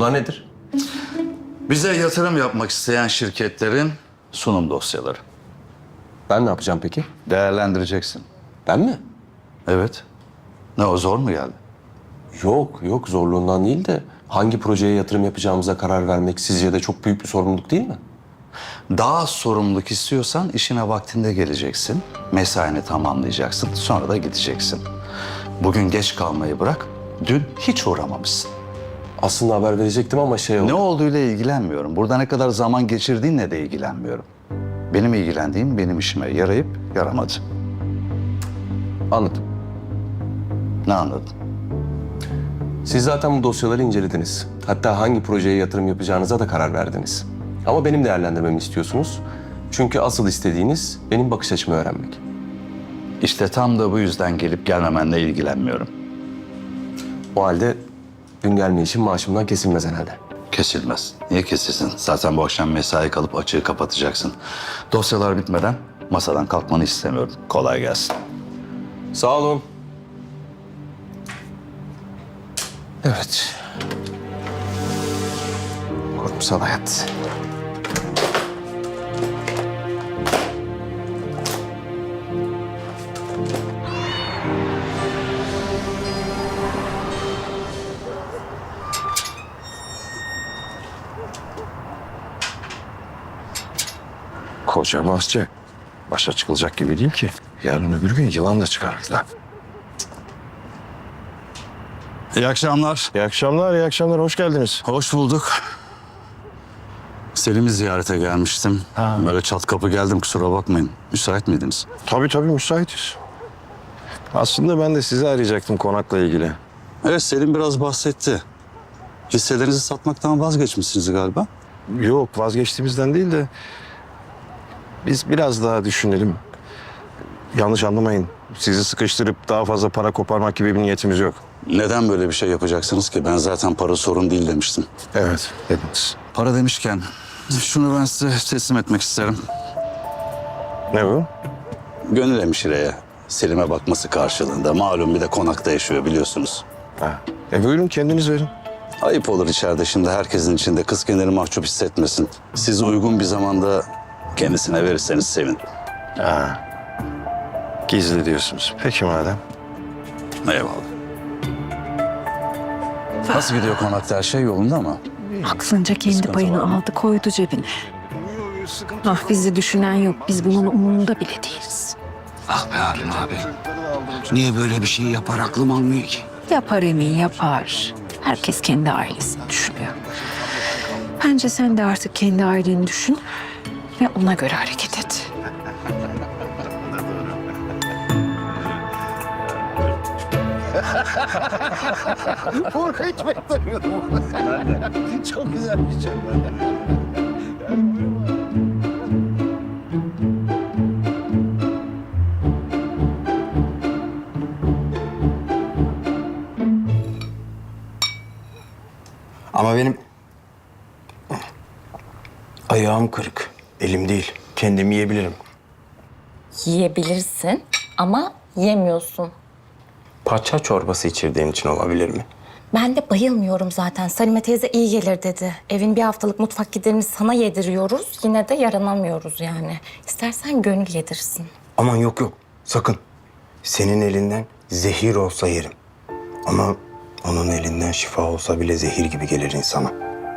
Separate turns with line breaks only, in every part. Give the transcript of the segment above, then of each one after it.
Bunlar nedir?
Bize yatırım yapmak isteyen şirketlerin sunum dosyaları.
Ben ne yapacağım peki?
Değerlendireceksin.
Ben mi?
Evet. Ne o zor mu geldi?
Yok zorluğundan değil de hangi projeye yatırım yapacağımıza karar vermek sizce de çok büyük bir sorumluluk değil mi?
Daha az sorumluluk istiyorsan işine vaktinde geleceksin. Mesaini tamamlayacaksın. Sonra da gideceksin. Bugün geç kalmayı bırak. Dün hiç uğramamışsın.
Aslında haber verecektim ama şey oldu.
Ne olduğuyla ilgilenmiyorum. Burada ne kadar zaman geçirdiğinle de ilgilenmiyorum. Benim ilgilendiğim benim işime yarayıp yaramadı.
Anladım.
Ne anladın?
Siz zaten bu dosyaları incelediniz. Hatta hangi projeye yatırım yapacağınıza da karar verdiniz. Ama benim değerlendirmemi istiyorsunuz. Çünkü asıl istediğiniz benim bakış açımı öğrenmek.
İşte tam da bu yüzden gelip gelmemenle ilgilenmiyorum.
O halde gün gelmeyişim maaşımdan kesilmez herhalde.
Kesilmez. Niye kesilsin? Zaten bu akşam mesai kalıp açığı kapatacaksın. Dosyalar bitmeden masadan kalkmanı istemiyorum. Kolay gelsin.
Sağ olun. Evet. Kurumsal hayat.
Koca bahçe. Başa çıkılacak gibi değil ki. Yarın öbür gün yılan da çıkarırlar.
İyi akşamlar.
İyi akşamlar, iyi akşamlar. Hoş geldiniz.
Hoş bulduk. Selim'i ziyarete gelmiştim. Böyle çat kapı geldim, kusura bakmayın. Müsait miydiniz?
Tabii müsaitiz. Aslında ben de sizi arayacaktım konakla ilgili.
Evet, Selim biraz bahsetti. Hisselerinizi satmaktan vazgeçmişsiniz galiba.
Yok, vazgeçtiğimizden değil de biz biraz daha düşünelim. Yanlış anlamayın. Sizi sıkıştırıp daha fazla para koparmak gibi bir niyetimiz yok.
Neden böyle bir şey yapacaksınız ki? Ben zaten para sorun değil demiştim.
Evet, dediniz.
Para demişken şunu ben size teslim etmek isterim.
Ne bu?
Gönül hemşireye Selim'e bakması karşılığında. Malum bir de konakta yaşıyor biliyorsunuz.
Ha. Buyurun kendiniz verin.
Ayıp olur içeride şimdi herkesin içinde kız kendini mahcup hissetmesin. Siz uygun bir zamanda kendisine verirseniz sevin.
Ha. Gizli diyorsunuz. Peki madem.
Eyvallah. Nasıl gidiyor konakta, her şey yolunda mı?
Aklınca kendi payını aldı koydu cebine. Ah bizi düşünen yok. Biz bunun umurunda bile değiliz.
Ah be Harun abi. Niye böyle bir şey yapar aklım almıyor ki?
Yapar Emin yapar. Herkes kendi ailesini düşünüyor. Bence sen de artık kendi aileni düşün ve ona göre hareket et.
Çok güzel bir şey.
Ama benim ayağım kırık. Elim değil. Kendim yiyebilirim.
Yiyebilirsin ama yemiyorsun.
Paça çorbası içirdiğin için olabilir mi?
Ben de bayılmıyorum zaten. Salime teyze iyi gelir dedi. Evin bir haftalık mutfak giderini sana yediriyoruz. Yine de yaranamıyoruz yani. İstersen gönül yedirsin.
Aman yok. Sakın. Senin elinden zehir olsa yerim. Ama onun elinden şifa olsa bile zehir gibi gelir insana.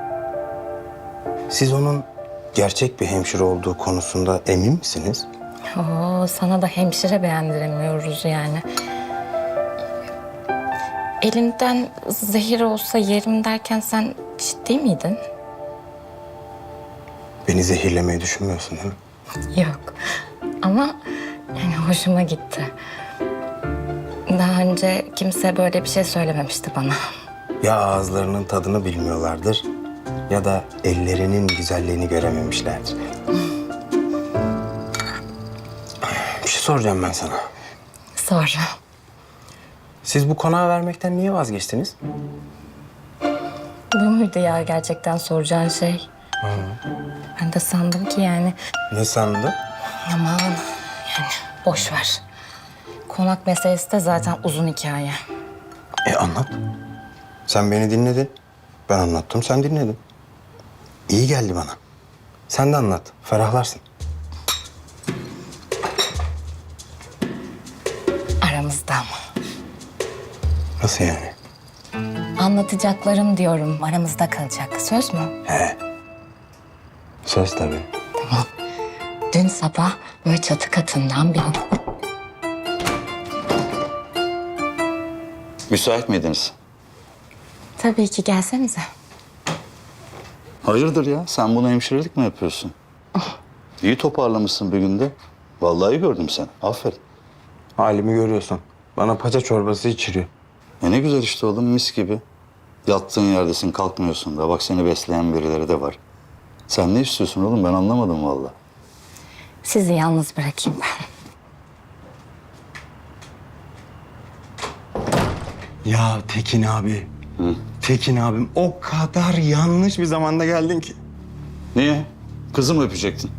Siz onun gerçek bir hemşire olduğu konusunda emin misiniz?
Oo, sana da hemşire beğendiremiyoruz yani. Elinden zehir olsa yerim derken sen ciddi miydin?
Beni zehirlemeyi düşünmüyorsun değil mi?
Yok. Ama yani hoşuma gitti. Daha önce kimse böyle bir şey söylememişti bana.
Ya ağızlarının tadını bilmiyorlardır ya da ellerinin güzelliğini görememişlerdir. Bir şey soracağım ben sana.
Sonra.
Siz bu konağı vermekten niye vazgeçtiniz?
Bu muydu ya gerçekten soracağın şey? Ben de sandım ki yani
Ne sandın?
aman yani boş ver. Konak meselesi de zaten uzun hikaye.
Anlat. Sen beni dinledin. Ben anlattım, sen dinledin. İyi geldi bana. Sen de anlat, ferahlarsın.
Aramızda ama.
Nasıl yani?
Anlatacaklarım diyorum aramızda kalacak. Söz mü?
He. Söz tabii.
Dün sabah böyle çatı katından bir...
Müsait miydiniz?
Tabii ki gelsenize.
Hayırdır ya? Sen buna hemşirelik mi yapıyorsun? İyi toparlamışsın bir günde. Vallahi gördüm seni. Aferin.
Halimi görüyorsun. Bana paça çorbası içiriyor.
Ne güzel işte oğlum, mis gibi. Yattığın yerdesin, kalkmıyorsun da. Bak seni besleyen birileri de var. Sen ne istiyorsun oğlum? Ben anlamadım vallahi.
Sizi yalnız bırakayım ben.
Ya Tekin abi. Tekin abim, o kadar yanlış bir zamanda geldin ki.
Niye? Kızı mı öpecektin?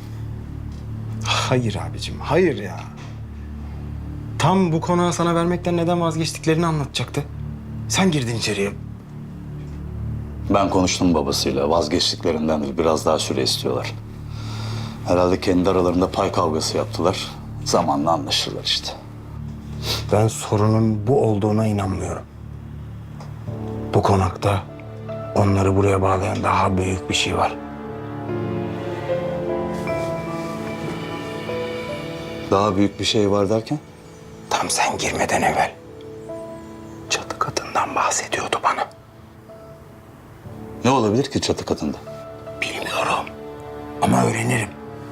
Hayır abicim, hayır ya. Tam bu konağı sana vermekten neden vazgeçtiklerini anlatacaktı. Sen girdin içeriye.
Ben konuştum babasıyla. Vazgeçtiklerindendir. Biraz daha süre istiyorlar. Herhalde kendi aralarında pay kavgası yaptılar. Zamanla anlaşırlar işte.
Ben sorunun bu olduğuna inanmıyorum. Bu konakta onları buraya bağlayan daha büyük bir şey var.
Daha büyük bir şey var derken?
Tam sen girmeden evvel çatı katından bahsediyordu bana.
Ne olabilir ki çatı katında?
Bilmiyorum ama öğrenirim.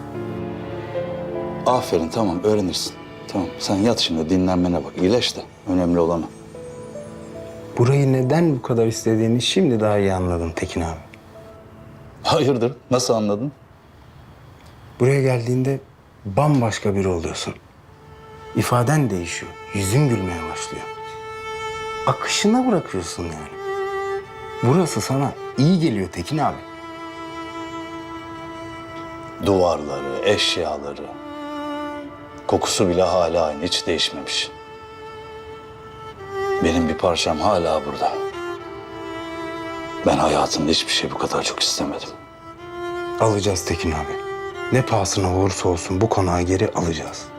Aferin, tamam, öğrenirsin. Tamam, sen yat şimdi, dinlenmene bak. İyileş de, önemli olan o.
Burayı neden bu kadar istediğini şimdi daha iyi anladım Tekin abi.
Hayırdır, nasıl anladın?
Buraya geldiğinde bambaşka biri oluyorsun. İfaden değişiyor, yüzün gülmeye başlıyor. Akışına bırakıyorsun yani. Burası sana iyi geliyor Tekin abi.
Duvarları, eşyaları, kokusu bile hala aynı, hiç değişmemiş. Benim bir parçam hala burada. Ben hayatımda hiçbir şey bu kadar çok istemedim.
Alacağız Tekin abi. Ne pahasına olursa olsun bu konağı geri alacağız.